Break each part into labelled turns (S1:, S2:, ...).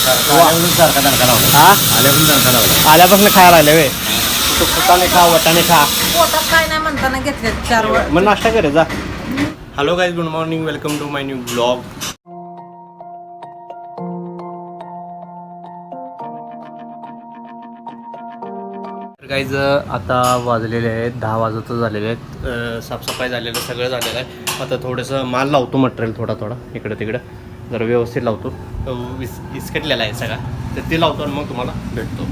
S1: आल्यापासून खायला आले वे तू फुटाने खा वटाने खा
S2: पोटात काय नाही म्हणताना घेतले 4 वेळ.
S1: मग नाश्ता करे जा. Hello guys, good morning, welcome to my new blog. Guys आता वाजलेले आहेत 10 वाजतच झालेले आहेत. साफसफाई झालेलं सगळं झालेलं आहे. आता थोडंसं माल लावतो, मटेरियल थोडा इकडं तिकडं जरा व्यवस्थित लावतो. विस्कटलेला आहे सगळा, तर ते लावतो आणि मग तुम्हाला भेटतो.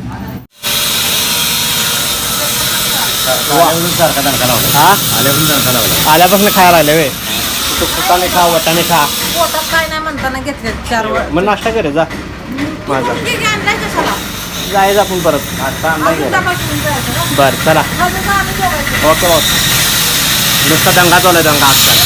S1: आल्यापासून खायला आले वे तू फुटाने खा वटाने खा
S2: पोटात काय नाही म्हणताना घेतले 4 वेळ.
S1: मग नाश्ता करे जा. माझा
S2: आणलाय कशाला
S1: जायचं आपण परत.
S2: अजून डबा घेऊन जायचं का?
S1: बरं चला.
S2: अजून का आम्ही जेवायचं?
S1: Okay okay. नुसता दंगा चालू आहे, दंगा आजकाल.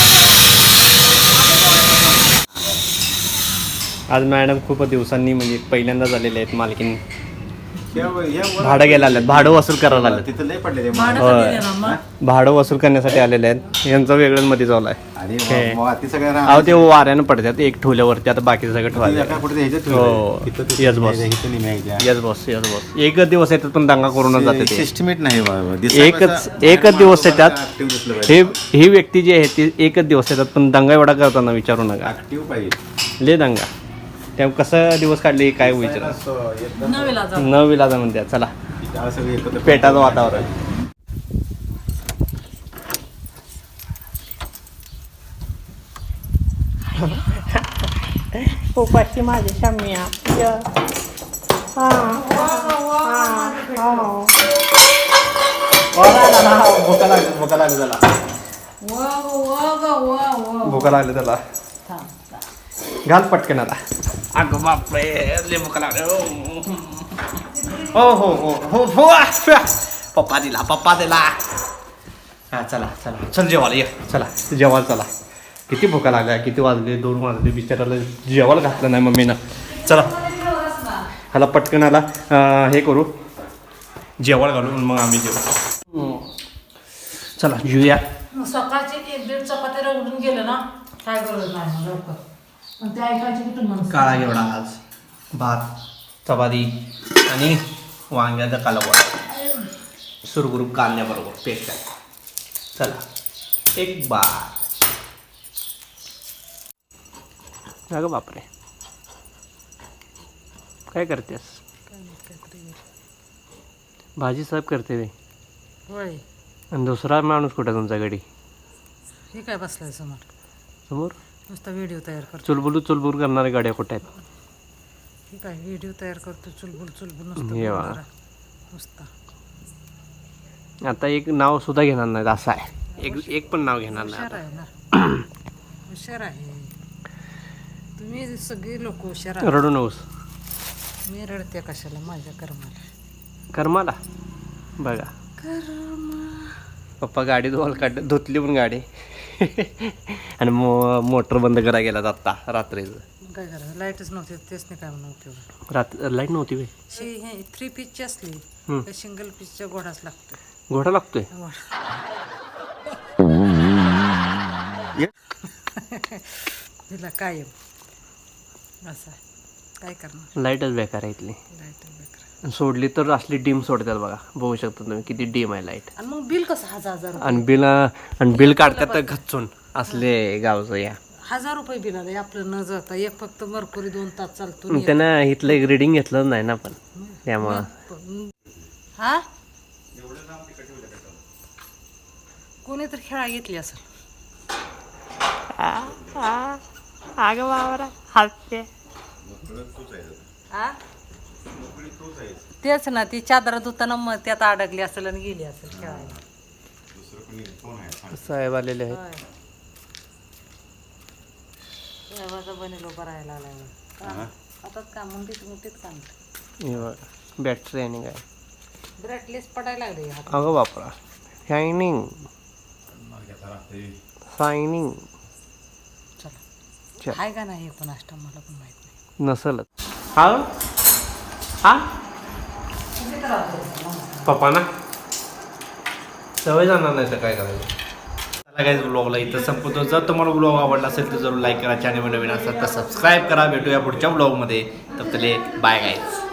S1: आज मॅडम खूप दिवसांनी म्हणजे पहिल्यांदा झालेले आहेत मालकीन. भाडं घ्यायला आले, भाडं वसूल करायला आले.
S3: तिथं लय पडले
S2: भाडं कधी देणार मग?
S1: भाडं वसूल करण्यासाठी आलेले आहेत. यांचं वेगळंच मध्ये चालू आहे.
S3: सगळ्या
S1: अहो ते वाऱ्यानं पडतात एक ठेवल्यावरती, आता बाकी सगळं ठेवायचं. हो yes boss, yes boss, yes boss. एकच दिवस येतात पण दंगा करूनच जाते ते.
S3: सिस्टमेट नाही
S1: एकच दिवस येतात. ही व्यक्ती जी आहे ती एकच दिवस येतात पण दंगा एवढा करताना विचारू नका.
S3: ऍक्टिव्ह पाहिजे
S1: ले दंगा. त्या कसं दिवस काढले काय विचार न विलाजा म्हणतात. चला पेटाचं वातावरण. उपाशी माझे शाम्या. भुका लागली त्याला. भुका लागली त्याला. घाल पटकन आता. अगं बापरे, लय भुका लागली. हो हो हो हो हो. पप्पा दिला. हा चला चला चल जेवायला ये. चला जेवायला चला. किती भुका लागल्या, किती वाजले, 2 वाजले. बिचाराला जेवायला घातलं नाही मम्मीनं. चला ह्याला पटकन आला हे करू, जेवायला घालून मग आम्ही जेवू. चला जेऊया.
S2: सकाळची 1-1.5 चपाती रगडून गेलं ना काय गरज नाही लवकर. पण ते ऐकायची कुठून म्हणून.
S1: काळा घेवडा आज, भात, चपाती आणि वांग्याचा कालवण सुरगुरूप कांद्याबरोबर पेस्ट आहे. चला एक बार. अगं बापरे, काय करतेस? भाजी साहेब करते वे.
S2: होय.
S1: आणि दुसरा माणूस कुठे तुमच्या घडी?
S2: हे काय बसलाय
S1: समोर
S2: नुसता व्हिडिओ तयार करतो.
S1: चुलबुल करणारे गाड्या कुठे आहेत?
S2: हे काय व्हिडिओ तयार करतो चुलबुल
S1: हे वा.
S2: नुसता.
S1: आता एक नाव सुद्धा घेणार नाहीत असं आहे. एक पण नाव घेणार
S2: हुशार
S1: नाही.
S2: आहे ना. हुशार आहे तुम्ही सगळी लोक हुशार आहे.
S1: रडू नकोस.
S2: मी रडते कशाला? माझ्या
S1: कर्माला बघा. पप्पा गाडी धुतली पण गाडी आणि मोटर बंद करायला गेला आत्ता रात्रीचं.
S2: काय करायचं? लाईटच नव्हती, तेच नाही काय नव्हती.
S1: लाईट नव्हती वे.
S2: 3 पीसची असली तर सिंगल पीसच्या घोडाच लागतोय.
S1: घोडा लागतोय.
S2: तिला कायम असं काय करणार.
S1: लाईटच बेकार आहे इथली.
S2: लाईटच बेकार.
S1: सोडली तर असली डीम सोडतात बघा. बघू शकता तुम्ही किती डीम आहे लाईट.
S2: आणि मग बिल कसं 1000
S1: आणि बिल काढतात तर घच्चून असले गावचं. या
S2: 1000 रुपये बिल आलं आपलं न जाता. एक फक्त मरकुरी 2 तास चालतो.
S1: त्यानं इथलं एक रिडिंग घेतलं नाही ना पण त्यामुळं.
S2: हा कोणी तर खेळा घेतली असेल.
S1: अगं बाबा हसते.
S2: तेच ना, ती चादर धुताना मग त्यात अडकली असेल आणि गेली असेल खेळायला.
S1: साहेब आलेले आहेत.
S2: बनेलो भरायला आलाय आता काम मोठीत काम.
S1: बॅटरी आणि काय
S2: ब्राईटनेस पडायला लागले.
S1: अगं बापरा. शायनिंग.
S2: आहे का नाही पण नाश्ता मला पण माहित नाही.
S1: नसलच. हा पप्पा ना सवय जाणार नाही तर काय करायचं. गाईज ब्लॉगला इथं संपवतो. जर तुम्हाला ब्लॉग आवडला असेल तर जरूर लाईक करा. चॅनल नवीन असेल तर सबस्क्राईब करा. भेटूया पुढच्या ब्लॉगमध्ये. तर बाय गाईज.